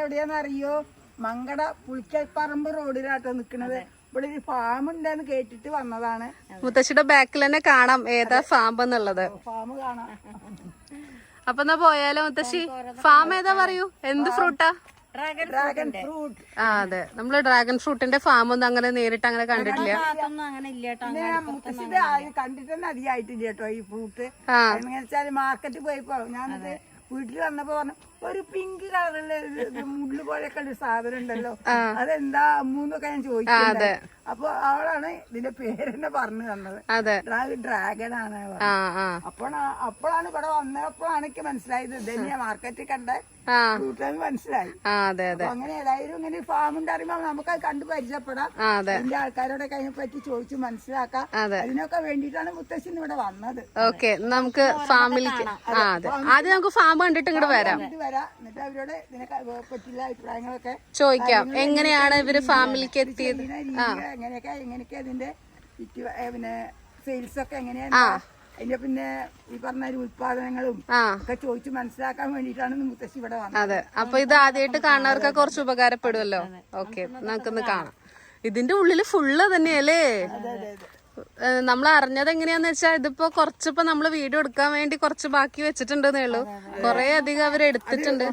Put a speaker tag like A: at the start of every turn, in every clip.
A: എവിടെയാന്ന് അറിയോ? മങ്കട പുളിക്കൽപ്പറമ്പ് റോഡിലാട്ടോ നിക്കണത്. ഇവിടെ ഒരു ഫാം ഉണ്ടെന്ന് കേട്ടിട്ട് വന്നതാണ്.
B: മുത്തശ്ശിയുടെ ബാക്കിൽ തന്നെ കാണാം ഏതാ ഫാം എന്നുള്ളത്.
A: ഫാം കാണാം.
B: അപ്പൊ എന്നാ പോയാലോ മുത്തശ്ശി? ഫാം ഏതാ പറയൂ, എന്ത് ഫ്രൂട്ടാ?
A: Dragon fruit.
B: ആ അതെ, നമ്മള് ഡ്രാഗൺ ഫ്രൂട്ടിന്റെ ഫാം ഒന്നും അങ്ങനെ നേരിട്ട് അങ്ങനെ കണ്ടിട്ടില്ല.
A: മുത്തശ്ശിന്റെ കണ്ടിട്ട് തന്നെ അധികമായിട്ടില്ല കേട്ടോ ഈ ഫ്രൂട്ട്. എങ്ങനെ വെച്ചാല് മാർക്കറ്റിൽ പോയപ്പോ ഞാനത് വീട്ടിൽ വന്നപ്പോ പറഞ്ഞു ഒരു പിങ്ക് കളറിലെ മുള്ളു പോലെയൊക്കെ ഒരു സാധനം ഉണ്ടല്ലോ, അതെന്താ അമ്മൂന്നൊക്കെ ഞാൻ ചോദിക്കുന്നത്. അപ്പൊ അവളാണ് ഇതിന്റെ പേരെന്നെ പറഞ്ഞു തന്നത്. ഡ്രാഗൺ ആണ്. അപ്പോഴാണ് ഇവിടെ വന്നപ്പോഴാണ് എനിക്ക് മനസ്സിലായത് ഇതന്നെയാ മാർക്കറ്റിൽ കണ്ട ഫ്രൂട്ടാന്ന് മനസ്സിലായി. അങ്ങനെ ഏതായാലും ഇങ്ങനെ ഫാം ഉണ്ടാകുമ്പോ നമുക്കത് കണ്ടു പരിചയപ്പെടാം. എന്റെ ആൾക്കാരോടൊക്കെ അതിനെ പറ്റി ചോദിച്ചു മനസ്സിലാക്കാം. അതിനൊക്കെ വേണ്ടിയിട്ടാണ് മുത്തശ്ശൻ ഇവിടെ വന്നത്.
B: ഓക്കെ, നമുക്ക് ഫാമിലേക്ക് ആദ്യം നമുക്ക് ഫാം കണ്ടിട്ട് ഇങ്ങോട്ട് വരാം.
A: എന്നിട്ട് അവരോട് ഇതിനെ പറ്റിയുള്ള അഭിപ്രായങ്ങളൊക്കെ
B: ചോദിക്കാം. എങ്ങനെയാണ് ഇവര് ഫാമിലിക്ക് എത്തിയത്,
A: എങ്ങനെയൊക്കെ അതിന്റെ പിന്നെ സെയിൽസ് ഒക്കെ എങ്ങനെയാണ്, അതിന്റെ പിന്നെ ഈ പറഞ്ഞ ഉത്പാദനങ്ങളും ഒക്കെ ചോദിച്ചു മനസ്സിലാക്കാൻ വേണ്ടിയിട്ടാണ് മുത്തശ്ശി ഇവിടെ വന്നത്.
B: അതെ, അപ്പൊ ഇത് ആദ്യമായിട്ട് കാണുന്നവർക്ക് കുറച്ച് ഉപകാരപ്പെടുമല്ലോ. ഓക്കെ, നമുക്കൊന്ന് കാണാം. ഇതിന്റെ ഉള്ളില് ഫുള്ള് തന്നെയല്ലേ? നമ്മൾ അറിഞ്ഞത് എങ്ങനെയാന്ന് വെച്ചാൽ ഇതിപ്പോ കുറച്ചിപ്പോ നമ്മള് വീഡിയോ എടുക്കാൻ വേണ്ടി കുറച്ച് ബാക്കി വെച്ചിട്ടുണ്ടെന്നേ ഉള്ളൂ. കൊറേ അധികം അവര് എടുത്തിട്ടുണ്ട്.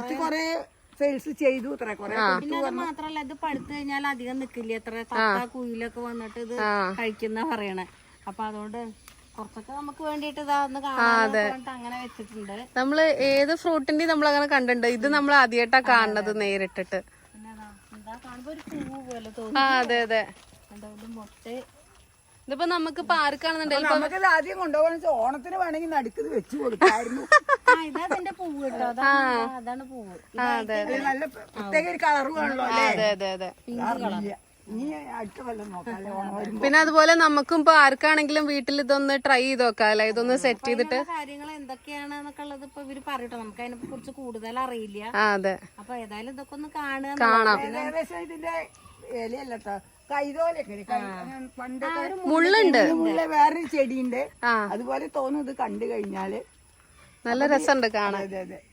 C: പിന്നെ അത് മാത്രല്ല, ഇത് പഴുത്ത് കഴിഞ്ഞാൽ അധികം നിക്കില്ല. എത്ര തത്ത കുയിലൊക്കെ വന്നിട്ട് ഇത് കഴിക്കുന്ന പറയണേ. അപ്പൊ അതുകൊണ്ട് കുറച്ചൊക്കെ നമുക്ക് വേണ്ടിട്ട് ഇതാന്ന് കാണാൻ അങ്ങനെ വെച്ചിട്ടുണ്ട്.
B: നമ്മള് ഏത് ഫ്രൂട്ടിന്റെയും നമ്മളങ്ങനെ കണ്ടിട്ടുണ്ട്. ഇത് നമ്മൾ ആദ്യമായിട്ടാ കാണുന്നത് നേരിട്ടിട്ട്.
C: പിന്നെ എന്താ കാണുമ്പോ ഒരു പൂവ് പോലെ തോന്നി.
B: അതെ അതെ,
C: മുട്ട.
B: ഇതിപ്പോ നമുക്ക് പാർക്കാണെന്നുണ്ടെങ്കിൽ
A: നമുക്കത് ആദ്യം കൊണ്ടുപോകണം. ഓണത്തിന് വേണമെങ്കിൽ നടുക്കത് വെച്ചു കൊടുക്കായിരുന്നു.
C: ഇതതിന്റെ പൂവ് കേട്ടോ, അതാണ് പൂവ്.
A: നല്ല പ്രത്യേക ഒരു കളറും ആണല്ലോ.
B: അതെ അതെ അതെ.
A: ഇനി അടുത്ത കൊല്ലം നോക്കാം.
B: പിന്നെ അതുപോലെ നമുക്കും ഇപ്പൊ ആർക്കാണെങ്കിലും വീട്ടിൽ ഇതൊന്ന് ട്രൈ ചെയ്ത് നോക്കാല്ലേ, ഇതൊന്ന് സെറ്റ് ചെയ്തിട്ട്.
C: കാര്യങ്ങൾ എന്തൊക്കെയാണെന്നൊക്കെ ഉള്ളത് ഇപ്പൊ ഇവര് പറയട്ടോ, നമുക്ക് അതിനെ കുറിച്ച് കൂടുതൽ അറിയില്ല.
B: അതെ,
C: അപ്പൊ ഏതായാലും ഇതൊക്കെ ഒന്ന് കാണാം.
A: ഏകദേശം ഇതിന്റെ ഇലയല്ലോ കൈതോലൊക്കെ പണ്ടൊക്കെ
B: മുള്ളുണ്ട്.
A: വേറൊരു ചെടിയുണ്ട് അതുപോലെ തോന്നും ഇത് കണ്ടു കഴിഞ്ഞാല്.
B: നല്ല രസമുണ്ട് കാണാൻ.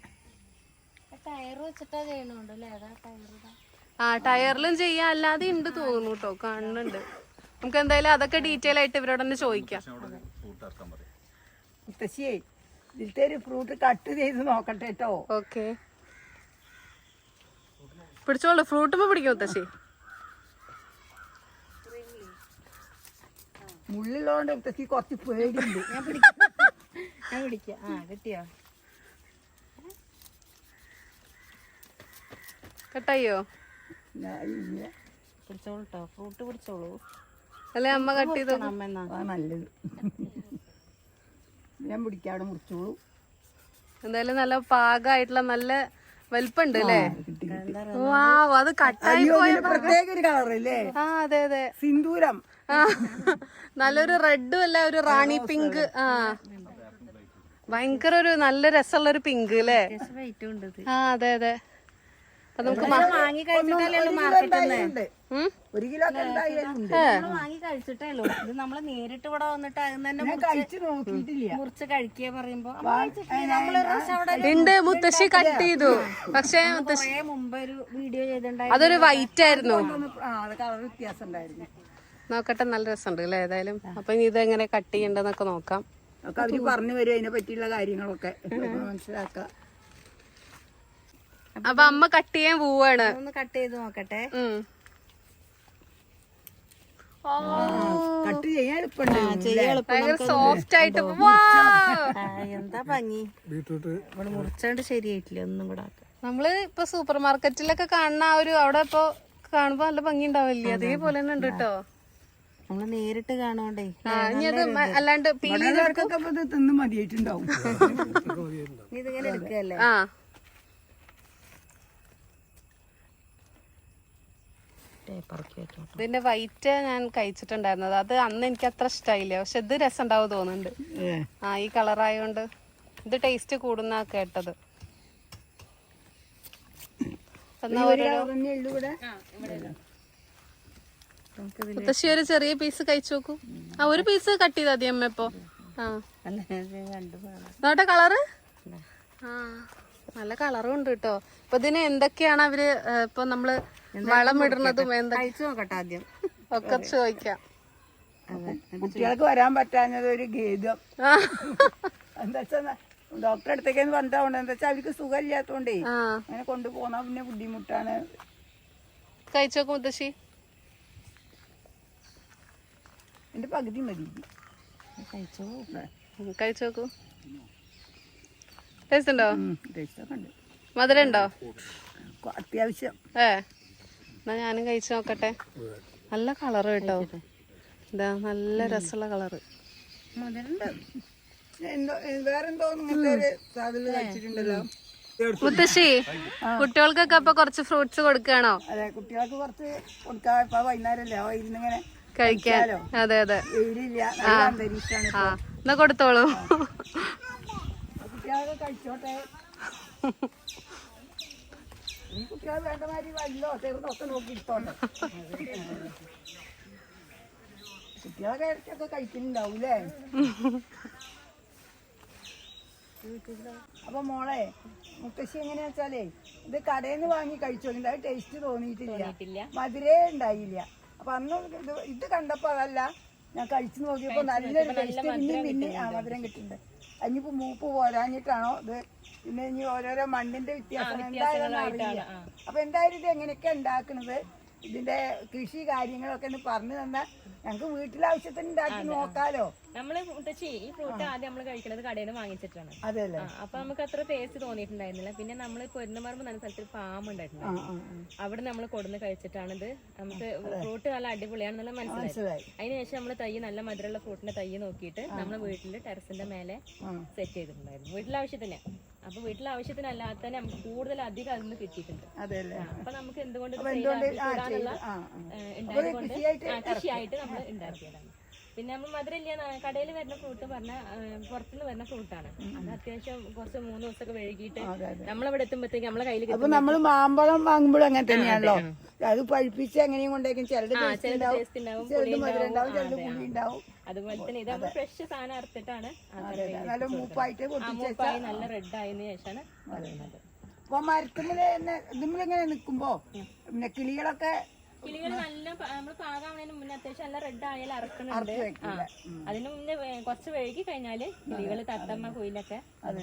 C: ടയർ വെച്ചിട്ടാ ചെയ്യണോണ്ടല്ലേ?
B: ടയറിലും ചെയ്യാം, അല്ലാതെ ഉണ്ട് തോന്നുന്നു കേട്ടോ, കാണുന്നുണ്ട്. നമുക്ക് എന്തായാലും അതൊക്കെ ഡീറ്റെയിൽ ആയിട്ട് ഇവരോട് തന്നെ ചോദിക്കാം.
A: മുത്തശ്ശിയെ ഇതിലത്തെ ഒരു ഫ്രൂട്ട് കട്ട് ചെയ്ത് നോക്കട്ടെ കേട്ടോ.
B: ഓക്കെ, പിടിച്ചോളൂ. ഫ്രൂട്ട് പിടിക്കും മുത്തശ്ശി.
A: മുള്ളിലോണ്ട് മുത്തശ്ശി കുറച്ച് പേടിയുണ്ട്.
C: ഞാൻ പിടിക്കാം. കിട്ടിയോ?
B: കട്ടായോ?
C: പിടിച്ചോളൂ കേട്ടോ, ഫ്രൂട്ട് പിടിച്ചോളൂ.
B: അല്ലെ അമ്മ കട്ട് ചെയ്തോ?
A: നല്ലത്. ഞാൻ പിടിക്കാതെ മുറിച്ചോളൂ.
B: എന്തായാലും നല്ല പാകമായിട്ടുള്ള നല്ല വലിപ്പുണ്ട് അല്ലേ? അത് കട്ടായി പോയ
A: പ്രത്യേക ഒരു കളറല്ലേ?
B: അതെ അതെ,
A: സിന്ദൂരം.
B: നല്ലൊരു റെഡും അല്ല, ഒരു റാണി പിങ്ക്. ഭയങ്കര ഒരു നല്ല രസമുള്ള ഒരു പിങ്ക് അല്ലേ? അതെ അതെ. അപ്പൊ നമുക്ക്
C: വാങ്ങി കഴിച്ചിട്ടല്ലോ മാർക്കറ്റിൽ.
A: ഒരു കിലോ
C: വാങ്ങി കഴിച്ചിട്ടല്ലോ. ഇത് നമ്മള് നേരിട്ട് ഇവിടെ വന്നിട്ട് മുറിച്ച് കഴിക്കുക പറയുമ്പോ
B: ഉണ്ട്. മുത്തശ്ശി കട്ട് ചെയ്തു, പക്ഷെ
C: മുമ്പ് ഒരു വീഡിയോ ചെയ്തിട്ടുണ്ടായി.
B: അതൊരു വൈറ്റ് ആയിരുന്നു.
A: കളർ വ്യത്യാസം ഉണ്ടായിരുന്നു.
B: നോക്കട്ടെ, നല്ല രസമുണ്ട് അല്ലേ? ഏതായാലും അപ്പൊ ഇനി ഇതെങ്ങനെ കട്ട് ചെയ്യണ്ടെന്നൊക്കെ നോക്കാം.
A: അവര് പറഞ്ഞു വരും അതിനെ പറ്റിയുള്ള കാര്യങ്ങളൊക്കെ മനസ്സിലാക്കാം.
B: അപ്പൊ അമ്മ കട്ട് ചെയ്യാൻ പോവാണ്.
C: ഒന്ന് കട്ട് ചെയ്ത് നോക്കട്ടെ.
A: കട്ട് ചെയ്യാൻ എളുപ്പമുണ്ട്.
B: ഭയങ്കര സോഫ്റ്റ് ആയിട്ട്.
C: എന്താ ഭംഗി. ഇവിടെ മുറിച്ചോണ്ട് ശരിയായിട്ടില്ല. ഒന്നും കൂടെ
B: നമ്മള് ഇപ്പൊ സൂപ്പർ മാർക്കറ്റിലൊക്കെ കാണുന്ന ആ ഒരു അവിടെ ഇപ്പൊ കാണുമ്പോ നല്ല ഭംഗി ഉണ്ടാവില്ലേ? അതേപോലെ തന്നെ ഉണ്ട് കേട്ടോ.
C: നമ്മള് നേരിട്ട് കാണോണ്ടേ.
B: അല്ലാണ്ട്
A: തിന്ന് മതിയായിട്ടുണ്ടാവും.
C: ഇതിങ്ങനെ എടുക്കല്ലേ?
B: ഇതിന്റെ വൈറ്റ് ഞാൻ കഴിച്ചിട്ടുണ്ടായിരുന്നത്. അത് അന്ന് എനിക്ക് അത്ര ഇഷ്ടമായില്ല, പക്ഷെ ഇത് രസം ഉണ്ടാവും തോന്നുന്നുണ്ട്. ഈ കളറായോണ്ട് ഇത് ടേസ്റ്റ് കൂടുന്ന കേട്ടത്. മുത്തശ്ശി ഒരു ചെറിയ പീസ് കഴിച്ചു നോക്കൂ. ഒരു പീസ് കട്ട് ചെയ്താ മതി അമ്മ. ഇപ്പൊ നോട്ടെ കളറ് നല്ല കളറും ഉണ്ട് കേട്ടോ. ഇപ്പൊ ഇതിന് എന്തൊക്കെയാണ് അവര് ഇപ്പൊ നമ്മള് വളം ഇടുന്നതും
C: കഴിച്ചു നോക്കട്ടെ ആദ്യം.
B: ഒക്കെ ചോദിക്കാം.
A: കുട്ടികൾക്ക് വരാൻ പറ്റാഞ്ഞത് ഒരു ഖേദം. എന്താ വെച്ചാ ഡോക്ടറെ അടുത്തേക്കെന്ന് പറഞ്ഞിട്ടുണ്ട്. എന്താ വെച്ചാൽ അവർക്ക് സുഖമില്ലാത്തോണ്ടേ അങ്ങനെ കൊണ്ടുപോകുന്ന പിന്നെ ബുദ്ധിമുട്ടാണ്.
B: കഴിച്ചു നോക്കും മുത്തശ്ശി.
A: എന്റെ പകുതി മതി.
B: കഴിച്ചു നോക്കൂ. ടേസ്റ്റ് ഉണ്ടോ?
A: ടേസ്റ്റൊക്കെ ഉണ്ട്.
B: മധുരം ഉണ്ടോ?
A: അത്യാവശ്യം.
B: എന്നാ ഞാനും കഴിച്ചു നോക്കട്ടെ. നല്ല കളറ് കേട്ടോ. ഇതാ നല്ല രസമുള്ള കളറ്.
A: വേറെന്തോ ഇങ്ങനത്തെ ഒരു സാധനം കഴിച്ചിട്ടുണ്ടല്ലോ.
B: മുത്തശ്ശി, കുട്ടികൾക്കൊക്കെ അപ്പൊ കുറച്ച് ഫ്രൂട്ട്സ് കൊടുക്കുകയാണോ?
A: അതെ, കുട്ടികൾക്ക് കുറച്ച് കൊടുക്കാം. ഇപ്പൊ വൈകുന്നേരല്ലേ ഇരുന്നിങ്ങനെ
B: കഴിക്കാലോ. അതെ അതെ,
A: വെയിലില്ല, നല്ല അന്തരീക്ഷമാണ്.
B: എന്നാ കൊടുത്തോളൂ.
A: കുട്ടികളൊക്കെ കഴിച്ചോട്ടെ. ഈ കുട്ടികൾ വേണ്ട മാതിരി വല്ലോ ചെറുതൊക്കെ നോക്കി ഇട്ടോട്ടെ. കുട്ടികളൊക്കെ ഇടയ്ക്കൊക്കെ കഴിക്കുന്നുണ്ടാവൂലേ? അപ്പൊ മോളെ, മുത്തശ്ശി എങ്ങനെയാ വെച്ചാലേ ഇത് കടയിൽ നിന്ന് വാങ്ങി കഴിച്ചോണ്ട് അത് ടേസ്റ്റ് തോന്നിയിട്ടില്ല, മധുരേ ഉണ്ടായില്ല. അപ്പൊ അന്ന് ഇത് കണ്ടപ്പോ അതല്ല, ഞാൻ കഴിച്ചു നോക്കിയപ്പോ നല്ലൊരു ടേസ്റ്റ്. പിന്നെ മധുരം കിട്ടുന്നുണ്ട്. അതിനിപ്പോ മൂപ്പ് പോരാഞ്ഞിട്ടാണോ ഇത്, പിന്നെ ഇനി ഓരോരോ മണ്ണിന്റെ വ്യത്യാസം എന്തായാലും അറിയില്ല. അപ്പൊ എന്തായാലും ഇത് എങ്ങനെയൊക്കെ ഉണ്ടാക്കണത്, ഇതിന്റെ കൃഷി കാര്യങ്ങളൊക്കെ ഒന്ന് പറഞ്ഞു തന്നാൽ ഞങ്ങക്ക് വീട്ടിലാവശ്യത്തിന് ഉണ്ടാക്കി നോക്കാലോ.
D: നമ്മള് മുത്തശ്ശി ഈ ഫ്രൂട്ട് ആദ്യം നമ്മള് കഴിക്കുന്നത് കടയിൽ നിന്ന് വാങ്ങിച്ചിട്ടാണ്.
A: അതെല്ലേ?
D: അപ്പൊ നമുക്ക് അത്ര ടേസ്റ്റ് തോന്നിയിട്ടുണ്ടായിരുന്നില്ല. പിന്നെ നമ്മള് പൊരുന്നമർമ്മ എന്ന സ്ഥലത്ത് ഫാം ഉണ്ടായിട്ടുണ്ടായിരുന്നു. അവിടെ നമ്മൾ കൊടുന്ന് കഴിച്ചിട്ടാണ് ഇത് നമുക്ക് ഫ്രൂട്ട് നല്ല അടിപൊളിയാണെന്നുള്ള മനസ്സിലായി. അതിനുശേഷം നമ്മള് തൈ നല്ല മധുരമുള്ള ഫ്രൂട്ടിന്റെ തൈ നോക്കിയിട്ട് നമ്മള് വീട്ടില് ടെറസിന്റെ മേലെ സെറ്റ് ചെയ്തിട്ടുണ്ടായിരുന്നു വീട്ടിലാവശ്യത്തിന്. അപ്പൊ വീട്ടിലാവശ്യത്തിനല്ലാത്ത തന്നെ നമുക്ക് കൂടുതൽ അധികം അതിൽ നിന്ന് കിട്ടിയിട്ടുണ്ട്. അപ്പൊ നമുക്ക് എന്തുകൊണ്ട് കൃഷിയായിട്ട് നമ്മൾ ഉണ്ടാക്കിയതാണ്. പിന്നെ നമ്മൾ മധുരമില്ല, കടയിൽ വരുന്ന ഫ്രൂട്ട് പറഞ്ഞാൽ പുറത്തുനിന്ന് വരുന്ന ഫ്രൂട്ടാണ്. അത് അത്യാവശ്യം കുറച്ച് 3 ദിവസമൊക്കെ വഴുകിയിട്ട് നമ്മളിവിടെ എത്തുമ്പോഴത്തേക്ക് നമ്മളെ കയ്യിൽ.
A: അപ്പൊ നമ്മള് മാമ്പഴം വാങ്ങുമ്പോഴും അങ്ങനെ തന്നെയാണല്ലോ, അത് പഴുപ്പിച്ച് എങ്ങനെയും കൊണ്ടേക്കും. ചിലത്
D: ടേസ്റ്റ് ഉണ്ടാവും,
A: ചിലത് മധുരം ഉണ്ടാവും, ചിലത് പുളി ഉണ്ടാവും.
D: അതുപോലെ തന്നെ ഇത് നമ്മൾ ഫ്രഷ് സാധനം അറുത്തിട്ടാണ്
A: നല്ല മൂപ്പായിട്ട്
D: നല്ല റെഡ് ആയതിനു ശേഷമാണ് വരുന്നത്.
A: അപ്പൊ മരത്തുമ്മില് ഇതിങ്ങനെ നിക്കുമ്പോ പിന്നെ കിളികളൊക്കെ
D: നല്ല നമ്മള് പാകാവുന്നതിന് മുന്നേ അത്യാവശ്യം നല്ല റെഡ് ആയാലും അറക്കുന്നുണ്ട്. അതിന് മുന്നേ കുറച്ച് വഴുകി കഴിഞ്ഞാല് കിളികള് തത്തമ്മ കുയിലൊക്കെ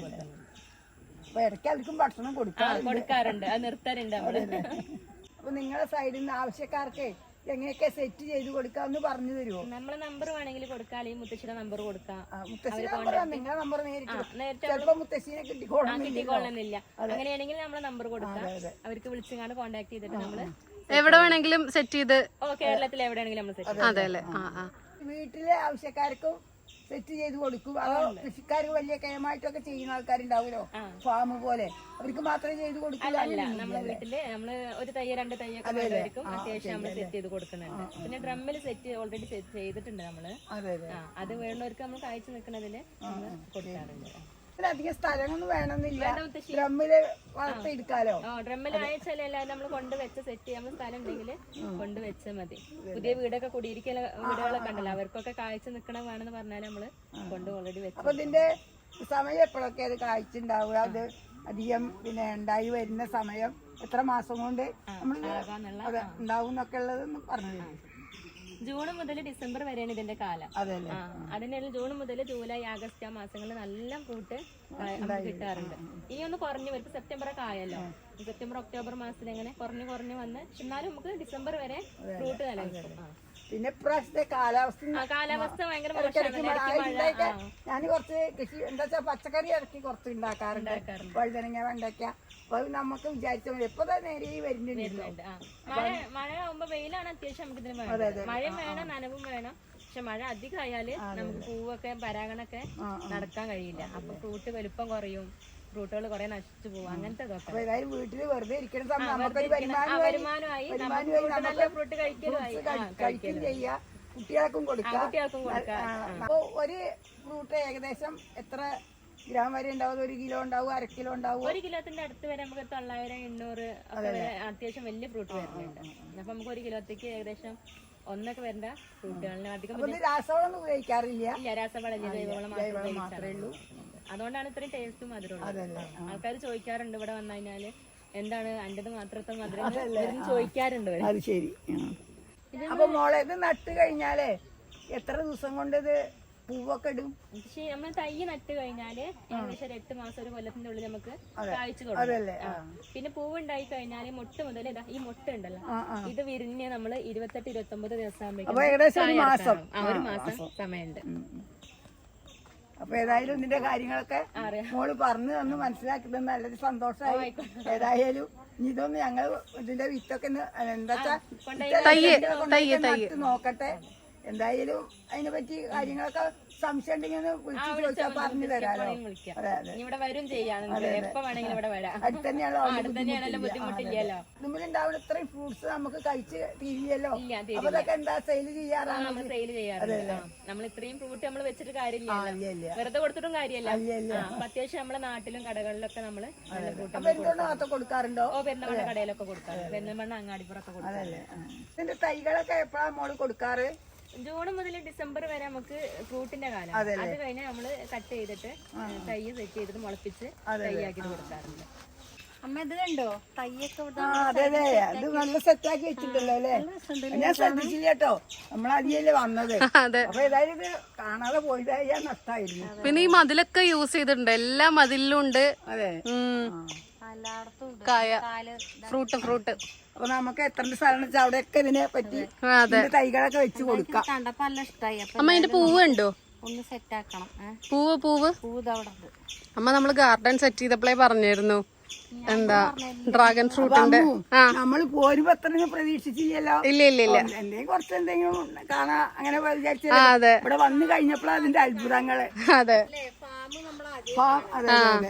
A: ഇടയ്ക്ക് അവർക്കും ഭക്ഷണം
D: കൊടുക്കാറുണ്ട്. അത് നിർത്താറുണ്ട് നമ്മള്.
A: അപ്പൊ നിങ്ങളുടെ സൈഡിൽ നിന്ന് ആവശ്യക്കാർക്ക് എങ്ങനെയൊക്കെ സെറ്റ് ചെയ്ത് കൊടുക്കാന്ന് പറഞ്ഞു തരുമോ?
D: നമ്മളെ നമ്പർ വേണമെങ്കിൽ കൊടുക്കാം, അല്ലെങ്കിൽ മുത്തശ്ശിയുടെ നമ്പർ കൊടുക്കാം.
A: നിങ്ങളുടെ നമ്പർ നേരിട്ട് മുത്തശ്ശിനെ
D: കിട്ടിക്കൊള്ളുന്നില്ല. അങ്ങനെയാണെങ്കിൽ നമ്മളെ നമ്പർ കൊടുക്കാം, അവർക്ക് വിളിച്ചങ്ങാണ്ട് കോണ്ടാക്ട് ചെയ്തിട്ട് നമ്മള്
B: എവിടെ വേണമെങ്കിലും സെറ്റ് ചെയ്ത്
D: കേരളത്തിൽ എവിടെയാണെങ്കിലും നമ്മൾ സെറ്റ്.
B: അതെ അല്ലേ?
A: വീട്ടിലെ ആവശ്യക്കാർക്കും സെറ്റ് ചെയ്ത് കൊടുക്കും. അതോ കൃഷിക്കാർക്ക് വലിയ കയമായിട്ടൊക്കെ ചെയ്യുന്ന ആൾക്കാരുണ്ടാവുമല്ലോ, ഫാം പോലെ, അവർക്ക് മാത്രമേ ചെയ്ത് കൊടുക്കില്ല?
D: നമ്മളെ വീട്ടില് നമ്മള് ഒരു തൈ 2 തൈയൊക്കെ വേണ്ടവർക്കും അത്യാവശ്യം നമ്മള് സെറ്റ് ചെയ്ത് കൊടുക്കുന്നുണ്ട്. പിന്നെ ഡ്രമ്മിൽ സെറ്റ് ഓൾറെഡി സെറ്റ് ചെയ്തിട്ടുണ്ട് നമ്മള്. അത് വേണ്ടവർക്ക് നമ്മൾ കായ്ച്ചു നിൽക്കുന്നതില് നമ്മള് കൊടുക്കാറുണ്ട്.
A: അധികം സ്ഥലമൊന്നും വേണമെന്നില്ല, ഡ്രമ്മില് വളർത്തിയെടുക്കാലോ.
D: ഡ്രമ്മിൽ അയച്ചാലല്ല നമ്മൾ കൊണ്ടുവച്ച സെറ്റ് ചെയ്യാൻ സ്ഥലം ഉണ്ടെങ്കിൽ കൊണ്ടുവച്ചാൽ മതി. പുതിയ വീടൊക്കെ കുടിയിരിക്കൽ വീടുകളൊക്കെ ഉണ്ടല്ലോ, അവർക്കൊക്കെ കായ്ച്ചു നിൽക്കണ വേണമെന്ന് പറഞ്ഞാൽ നമ്മള് കൊണ്ട് ഓൾറെഡി വെച്ചു.
A: അപ്പൊ ഇതിന്റെ സമയം എപ്പോഴൊക്കെ അത് കായ്ച്ചുണ്ടാവുക, അത് അധികം പിന്നെ ഉണ്ടായി വരുന്ന സമയം എത്ര മാസം കൊണ്ട് നമ്മൾ ഉണ്ടാവും എന്നൊക്കെ ഉള്ളതെന്ന് പറഞ്ഞു.
D: ജൂൺ മുതൽ ഡിസംബർ വരെയാണ് ഇതിന്റെ കാലം. അതിനുള്ള ജൂൺ മുതൽ ജൂലൈ ആഗസ്റ്റ് ആ മാസങ്ങളിൽ നല്ല ഫ്രൂട്ട് കിട്ടാറുണ്ട്. ഈ ഒന്ന് കുറഞ്ഞു വരും. സെപ്റ്റംബർ ഒക്കെ ആയല്ലോ, സെപ്റ്റംബർ ഒക്ടോബർ മാസത്തിൽ അങ്ങനെ കുറഞ്ഞു വന്ന്, എന്നാലും നമുക്ക് ഡിസംബർ വരെ ഫ്രൂട്ട് നിലനിൽക്കും.
A: പിന്നെ ഇപ്രാവശ്യത്തെ കാലാവസ്ഥ
D: ഭയങ്കര
A: ഞാൻ കുറച്ച് കൃഷി എന്താ വെച്ചാൽ പച്ചക്കറി ഇറക്കി കുറച്ച് ഉണ്ടാക്കാറുണ്ട്, വഴുതനങ്ങ, വെണ്ടയ്ക്ക. അപ്പൊ നമുക്ക് വിചാരിച്ച പോലെ ഇപ്പൊ നേരെ വരുന്നുണ്ട്.
D: മഴ ആവുമ്പോ വെയിലാണ് അത്യാവശ്യം നമുക്ക് ഇതിന് വേണം. മഴയും വേണം, നനവും വേണം. പക്ഷെ മഴ അധികം ആയാല് നമുക്ക് പൂവൊക്കെ പരാഗണൊക്കെ നടക്കാൻ കഴിയില്ല. അപ്പൊ ഫ്രൂട്ട് വലുപ്പം കുറയും, ഫ്രൂട്ടുകൾ കുറെ നശിച്ചു പോകും. അങ്ങനത്തെ
A: വീട്ടില് വെറുതെ ഇരിക്കുന്ന സമയം
D: വരുമാനമായി, നല്ല ഫ്രൂട്ട്
A: കഴിക്കുകയും ചെയ്യാം, കുട്ടികൾക്കും കൊടുക്കാം. അപ്പൊ ഒരു ഫ്രൂട്ട് ഏകദേശം എത്ര ഗ്രാം വരെ ഉണ്ടാവും? 1 കിലോ ഉണ്ടാവും, 1/2 കിലോ ഉണ്ടാവും?
D: 1 കിലോത്തിന്റെ അടുത്ത് വരെ നമുക്ക് 900, 800 ഒക്കെ അത്യാവശ്യം വലിയ ഫ്രൂട്ട് വരുന്നുണ്ട്. അപ്പൊ നമുക്ക് 1 കിലോത്തേക്ക് ഏകദേശം ഒന്നൊക്കെ വരേണ്ട ഫ്രൂട്ടുകളിന് അധികം
A: അപ്പൊ ഇത് രാസവളമൊന്നും ഉപയോഗിക്കാറില്ല.
D: ഇല്ല, രാസവളം ജൈവവളം മാത്രമേ ഉള്ളൂ. അതുകൊണ്ടാണ് ഇത്രയും ടേസ്റ്റും മധുരമുള്ളത്. ആൾക്കാർ ചോദിക്കാറുണ്ട് ഇവിടെ വന്നു കഴിഞ്ഞാല് എന്താണ് അൻ്റെത് മാത്രത്തെ മധുരം ചോദിക്കാറുണ്ട്.
A: അത് ശരി. അപ്പൊ മോളെ ഇത് നട്ട് കഴിഞ്ഞാലേ എത്ര ദിവസം കൊണ്ട് ഇത് പൂവൊക്കെ ഇടും?
D: പക്ഷേ നമ്മൾ തൈ നട്ട് കഴിഞ്ഞാല് ഏകദേശം 8 മാസം 1 കൊല്ലത്തിന്റെ ഉള്ളിൽ നമുക്ക് കായ്ച്ചു കൊടുക്കും. പിന്നെ പൂവ് ഉണ്ടായി കഴിഞ്ഞാല് മൊട്ട് മുതൽ ഈ മൊട്ട് ഉണ്ടല്ലോ ഇത് വിരിഞ്ഞ് നമ്മള് 28-29 ദിവസം ആകുമ്പോഴേക്കും
A: ഒരു മാസം
D: സമയമുണ്ട്.
A: അപ്പൊ ഏതായാലും ഇതിന്റെ കാര്യങ്ങളൊക്കെ മോള് പറഞ്ഞു തന്ന് മനസ്സിലാക്കി തന്നെ നല്ലൊരു സന്തോഷമായി. ഏതായാലും ഇതൊന്ന് ഞങ്ങൾ ഇതിന്റെ വിത്തൊക്കെ എന്താ നട്ട് നോക്കട്ടെ. എന്തായാലും അതിനെ പറ്റി കാര്യങ്ങളൊക്കെ സംശയം ഉണ്ടെങ്കിൽ വിളിച്ചു ചോദിച്ചാൽ പറഞ്ഞു തരാലോ. അതെ അതെ,
D: ഇവിടെ വരും ചെയ്യാം, എപ്പോ വേണമെങ്കിലും ഇവിടെ വരാം.
A: അടുത്തന്നെയാണല്ലോ,
D: ബുദ്ധിമുട്ടില്ലല്ലോ.
A: ഇതിലുണ്ടാവുന്ന ഇത്രയും ഫ്രൂട്ട്സ് നമുക്ക് കഴിച്ച് തീരില്ലല്ലോ. അപ്പൊ അതൊക്കെ എന്താ സെയിൽ ചെയ്യാറാണ്?
D: നമ്മൾ സെയിൽ ചെയ്യാറില്ല. നമ്മൾ ഇത്രയും ഫ്രൂട്ട് നമ്മൾ വെച്ചിട്ട് കാര്യമില്ല, വെറുതെ കൊടുത്തിട്ടും കാര്യമില്ല. അപ്പൊ അത്യാവശ്യം നമ്മളെ നാട്ടിലും കടകളിലൊക്കെ നമ്മള് നല്ല ഫ്രൂട്ട്
A: പെരുന്തൽമണ്ണ കൊടുക്കാറുണ്ടോ?
D: പെരുന്തൽമണ്ണ കടയിലൊക്കെ കൊടുക്കാറ്, പെരുന്തൽമണ്ണ അങ്ങാടിപ്പുറമൊക്കെ കൊടുക്കാറ്.
A: ഇതിന്റെ തൈകളൊക്കെ എപ്പോഴാണ് മോള് കൊടുക്കാറ്?
D: ജൂൺ മുതൽ ഡിസംബർ വരെ നമുക്ക് ഫ്രൂട്ടിന്റെ കാലം. അത് കഴിഞ്ഞാൽ നമ്മള് കട്ട് ചെയ്തിട്ട് തൈ സെറ്റ് ചെയ്തിട്ട് മുളപ്പിച്ച് തൈയാക്കി കൊടുക്കാറുണ്ട്.
C: അമ്മ ഇത് കണ്ടോ തയ്യൊക്കെ?
A: അതെ അതെ, അത് നല്ല സെറ്റാക്കി വെച്ചിട്ടുണ്ടല്ലോ അല്ലേ? ഞാൻ ശ്രദ്ധിച്ചില്ല കേട്ടോ, നമ്മളതിയല്ലേ വന്നത്. അപ്പൊ ഏതായാലും ഇത് കാണാതെ പോയതായ നഷ്ടമായിരുന്നു.
B: പിന്നെ ഈ മതിലൊക്കെ യൂസ് ചെയ്തിട്ടുണ്ട്, എല്ലാ മതിലിലും ഉണ്ട്.
A: അതെ,
B: കായ ഫ്രൂട്ട്.
A: അപ്പൊ നമുക്ക് എത്ര സ്ഥലം വെച്ചാൽ അവിടെയൊക്കെ ഇതിനെ പറ്റി തൈകളൊക്കെ വെച്ച് കൊടുക്കാം.
C: കണ്ടപ്പോ നല്ല ഇഷ്ടായി.
B: അമ്മ അതിന്റെ പൂവ് ഉണ്ടോ?
C: ഒന്ന് സെറ്റ് ആക്കണം.
B: പൂവ്
C: അവിടെ
B: അമ്മ നമ്മള് ഗാർഡൻ സെറ്റ് ചെയ്തപ്പോഴേ പറഞ്ഞിരുന്നു എന്താ ഡ്രാഗൺ ഫ്രൂട്ടിന്റെ.
A: നമ്മള് പോരുമ്പോ അത്രയും പ്രതീക്ഷിച്ചില്ലല്ലോ.
B: ഇല്ല
A: എന്തെങ്കിലും കുറച്ചെന്തെങ്കിലും കാണാ അങ്ങനെ വിചാരിച്ചു. ഇവിടെ വന്നു കഴിഞ്ഞപ്പോഴാണ് അതിന്റെ അത്ഭുതങ്ങള്.
B: അതെ
A: അതെ അതെ,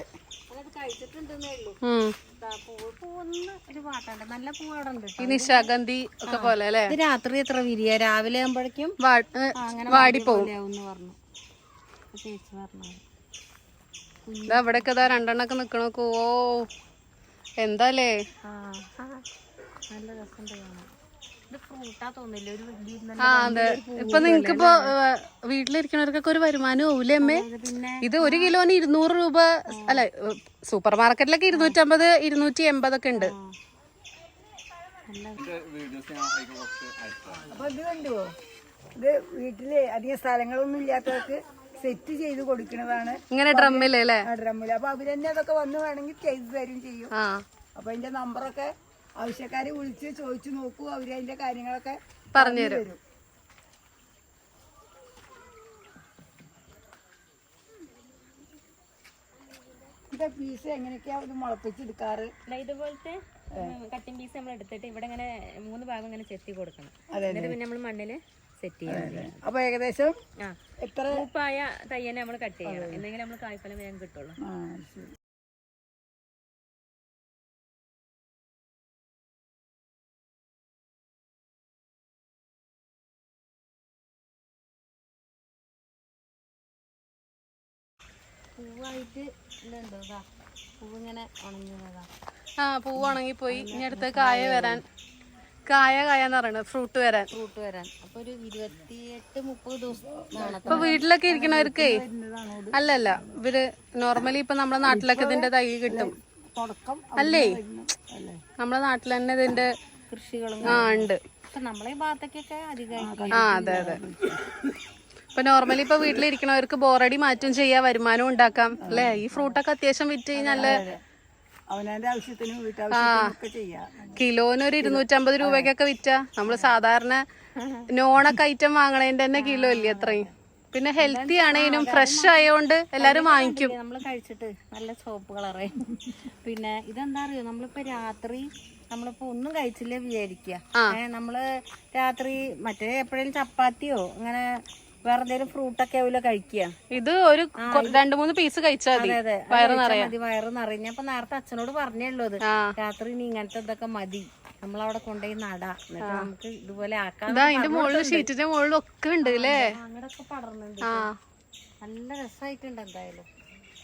C: നല്ല പൂവാടുണ്ട്.
B: ഈ നിശാഗന്ധി ഒക്കെ പോലെ അല്ലേ?
C: ഇത് രാത്രി എത്ര വിരിയ? രാവിലെ ആകുമ്പോഴേക്കും
B: വാടിപ്പോവും
C: പറഞ്ഞു ചേച്ചി പറഞ്ഞു.
B: അവിടെയൊക്കെ രണ്ടെണ്ണൊക്കെ നിക്കണോക്കോ. ഓ എന്താലേ,
C: നല്ല രസം. ഇത് ഫ്രൂട്ടാ തോന്നില്ല, ഒരു വലിയ.
B: അതെ, ഇപ്പൊ നിങ്ങക്കിപ്പോ വീട്ടിലിരിക്കണവർക്കൊക്കെ ഒരു വരുമാനം ആവൂലേ അമ്മേ? ഇത് 1 കിലോന് 200 രൂപ അല്ല, സൂപ്പർ മാർക്കറ്റിലൊക്കെ 250, 280 ഒക്കെ ഉണ്ട്.
A: അപ്പൊ ഇത് കണ്ടുവോ, ഇത് വീട്ടില് അധികം സ്ഥലങ്ങളൊന്നും ഇല്ലാത്തവർക്ക് സെറ്റ് ചെയ്ത് കൊടുക്കുന്നതാണ്
B: ഇങ്ങനെ ഡ്രമ്മില് അല്ലേ?
A: ഡ്രമ്മില്. അപ്പൊ അവര് തന്നെ അതൊക്കെ വന്ന് വേണമെങ്കിൽ ചെയ്തു തരും ചെയ്യും. അപ്പൊ അതിന്റെ നമ്പറൊക്കെ ആവശ്യക്കാരെ വിളിച്ച് ചോദിച്ചു നോക്കൂ, അവര് അതിന്റെ കാര്യങ്ങളൊക്കെ പറഞ്ഞു തരും. ഇതിന്റെ പീസ് എങ്ങനെയൊക്കെയാ ഇത് മുളപ്പിച്ചെടുക്കാറ്?
D: ഇതുപോലത്തെ കട്ടിംഗ് പീസ് നമ്മൾ എടുത്തിട്ട് ഇവിടെ ഇങ്ങനെ 3 ഭാഗം ഇങ്ങനെ ചെത്തി കൊടുക്കണം. എന്നിട്ട് പിന്നെ നമ്മൾ മണ്ണില് സെറ്റ് ചെയ്യണം.
A: അപ്പൊ ഏകദേശം എത്ര
D: പൂപ്പായ തയ്യനെ നമ്മൾ കട്ട് ചെയ്യണം, എന്തെങ്കിലും നമ്മൾ കായ്ഫലം വേഗം കിട്ടുള്ളൂ.
C: പൂവായിട്ട് ഇതുണ്ടോ? പൂവിങ്ങനെ ഉണങ്ങിയതാ.
B: പൂവ് ഉണങ്ങിപ്പോയി. ഇനി അടുത്ത് കായെന്ന് പറയുന്നത് ഫ്രൂട്ട് വരാൻ.
C: അപ്പൊ ഒരു 28-30 ദിവസം.
B: ഇപ്പൊ വീട്ടിലൊക്കെ ഇരിക്കണവർക്ക് അല്ലല്ല, ഇവര് നോർമലി ഇപ്പൊ നമ്മുടെ നാട്ടിലൊക്കെ ഇതിന്റെ തൈ കിട്ടും അല്ലേ? നമ്മുടെ നാട്ടിൽ തന്നെ ഇതിന്റെ
C: കൃഷികളും
B: ഉണ്ട്.
C: നമ്മളെ ഈ ഭാഗത്തേക്കൊക്കെ അധികം.
B: അതെ അതെ. ഇപ്പൊ നോർമലി ഇപ്പൊ വീട്ടിലിരിക്കണവർക്ക് ബോറടി മാറ്റും ചെയ്യാം, വരുമാനം ഉണ്ടാക്കാം അല്ലേ? ഈ ഫ്രൂട്ടൊക്കെ അത്യാവശ്യം വിറ്റ് നല്ല
A: അവനവന്റെ ആവശ്യത്തിനും വീട്ടാവശ്യത്തിനും ഒക്കെ ചെയ്യാം.
B: കിലോന് ഒരു 250 രൂപയ്ക്കൊക്കെ വിറ്റാ നമ്മള് സാധാരണ നോണൊക്കെ ഐറ്റം വാങ്ങണേന്റെ തന്നെ കിലോ ഇല്ലേ അത്രയും. പിന്നെ ഹെൽത്തി ആണേനും ഫ്രഷ് ആയതുകൊണ്ട് എല്ലാരും വാങ്ങിക്കും.
C: നമ്മള് കഴിച്ചിട്ട് നല്ല ചോപ്പ് കളറായി. പിന്നെ ഇതെന്താ അറിയോ, നമ്മളിപ്പോ രാത്രി നമ്മളിപ്പോ ഒന്നും കഴിച്ചില്ലേ വിചാരിക്കുക, നമ്മള് രാത്രി മറ്റേ എപ്പോഴേലും ചപ്പാത്തിയോ അങ്ങനെ വേറെ എന്തെങ്കിലും ഫ്രൂട്ടൊക്കെ ആവില്ല കഴിക്കുക.
B: ഇത് ഒരു 2-3 പീസ് കഴിച്ചാൽ വയറ്
C: നിറയും. അപ്പൊ നേരത്തെ അച്ഛനോട് പറഞ്ഞുള്ളൂ അത് രാത്രി നീ ഇങ്ങനത്തെ ഇതൊക്കെ മതി, നമ്മളവിടെ കൊണ്ടുപോയി നടാ, എന്നിട്ട് നമുക്ക് ഇതുപോലെ ആക്കാം.
B: അതിന്റെ മുകളിൽ ഷീറ്റിന്റെ മുകളിലും ഒക്കെ ഉണ്ട് അല്ലേ?
C: അങ്ങനൊക്കെ പടർന്നുണ്ട്. നല്ല രസമായിട്ടുണ്ട്. എന്തായാലും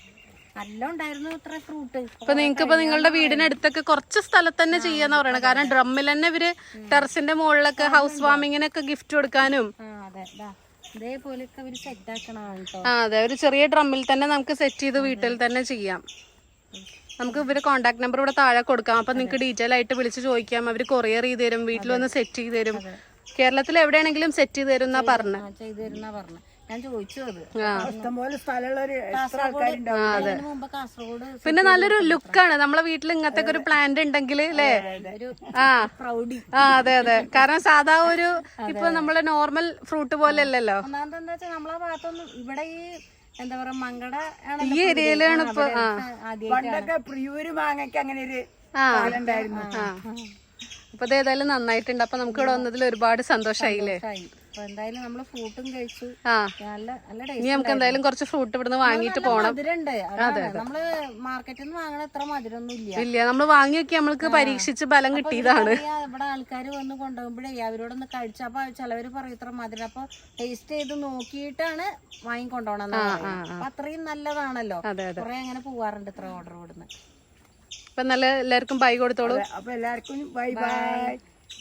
C: നല്ല ഉണ്ടായിരുന്നു ഇത്ര ഫ്രൂട്ട്.
B: ഇപ്പൊ നിങ്ങക്ക് ഇപ്പൊ നിങ്ങളുടെ വീടിനടുത്തൊക്കെ കുറച്ച് സ്ഥലത്ത് തന്നെ ചെയ്യാന്ന് പറയണത്. കാരണം ഡ്രമ്മിൽ തന്നെ ഇവര് ടെറസിന്റെ മുകളിലൊക്കെ ഹൗസ് വാമിങ്ങിനൊക്കെ ഗിഫ്റ്റ് കൊടുക്കാനും.
C: അതെ ഇതേപോലെയൊക്കെ അവര് സെറ്റ് ആക്കണം കേട്ടോ.
B: അതെ, ഒരു ചെറിയ ഡ്രമ്മിൽ തന്നെ നമുക്ക് സെറ്റ് ചെയ്ത് വീട്ടിൽ തന്നെ ചെയ്യാം. നമുക്ക് ഇവര് കോൺടാക്ട് നമ്പർ ഇവിടെ താഴെ കൊടുക്കാം. അപ്പൊ നിങ്ങൾക്ക് ഡീറ്റെയിൽ ആയിട്ട് വിളിച്ച് ചോദിക്കാം. അവര് കൊറിയർ ചെയ്ത് തരും, വീട്ടിൽ വന്ന് സെറ്റ് ചെയ്ത് തരും. കേരളത്തിൽ എവിടെയാണെങ്കിലും സെറ്റ് ചെയ്ത് തരും എന്നാ പറഞ്ഞു.
C: ചെയ്തു തരുന്ന പറഞ്ഞു. ഞാൻ ചോദിച്ചു അത്.
A: ഇഷ്ടംപോലെ സ്ഥലമുള്ളൊരു എത്ര ആൾക്കാരുണ്ടാവും.
C: അതിന് മുമ്പ് കാസർഗോഡ്
B: പിന്നെ നല്ലൊരു ലുക്കാണ് നമ്മളെ വീട്ടിൽ ഇങ്ങനത്തെ ഒരു പ്ലാന്റ് ഉണ്ടെങ്കിൽ അല്ലേ.
C: പ്രൗഡി.
B: അതെ അതെ, കാരണം സാധാ ഒരു ഇപ്പൊ നമ്മളെ നോർമൽ ഫ്രൂട്ട് പോലെ അല്ലല്ലോ.
C: ഒന്നാമത് എന്താ വെച്ചാൽ നമ്മളെ ഭാഗത്തൊന്നും ഇവിടെ ഈ എന്താ പറയാ മങ്കട
B: ഈ ഏരിയയിലാണ് ഇപ്പൊ.
A: പണ്ടൊക്കെ പ്രിയൂര് മാങ്ങയ്ക്ക് അങ്ങനെ ഒരു കാലം ഉണ്ടായിരുന്നു.
B: അപ്പൊ ഇത് ഏതായാലും നന്നായിട്ടുണ്ട്. അപ്പൊ നമുക്ക് ഇവിടെ വന്നതിൽ ഒരുപാട് സന്തോഷായില്ലേ.
C: അപ്പൊ എന്തായാലും നമ്മള് ഫ്രൂട്ടും കഴിച്ചു. നല്ല നല്ല
B: ഇനി നമുക്ക് എന്തായാലും കുറച്ച് ഫ്രൂട്ട് ഇവിടുന്ന് വാങ്ങിയിട്ട് പോണം.
C: മധുരണ്ട്. നമ്മള് മാർക്കറ്റിൽ നിന്ന് വാങ്ങണ അത്ര മധുരമൊന്നും
B: ഇല്ല, നമ്മള് വാങ്ങി നോക്കി നമ്മൾക്ക് പരീക്ഷിച്ച് ബലം കിട്ടിയതാണ്.
C: ഇവിടെ ആൾക്കാർ വന്ന് കൊണ്ടുപോകുമ്പോഴേ അവരോടൊന്ന് കഴിച്ചു. അപ്പൊ ചിലവര് പറയും ഇത്ര മധുരം. അപ്പൊ ടേസ്റ്റ് ചെയ്ത് നോക്കിയിട്ടാണ് വാങ്ങിക്കൊണ്ടോണം. അപ്പൊ അത്രയും നല്ലതാണല്ലോ. കുറെ അങ്ങനെ പോവാറുണ്ട് ഇത്ര ഓർഡർ കൊടുന്ന്.
B: അപ്പൊ നല്ല എല്ലാവർക്കും ബൈ കൊടുത്തോളൂ.
A: അപ്പൊ എല്ലാവർക്കും ബൈ ബൈ.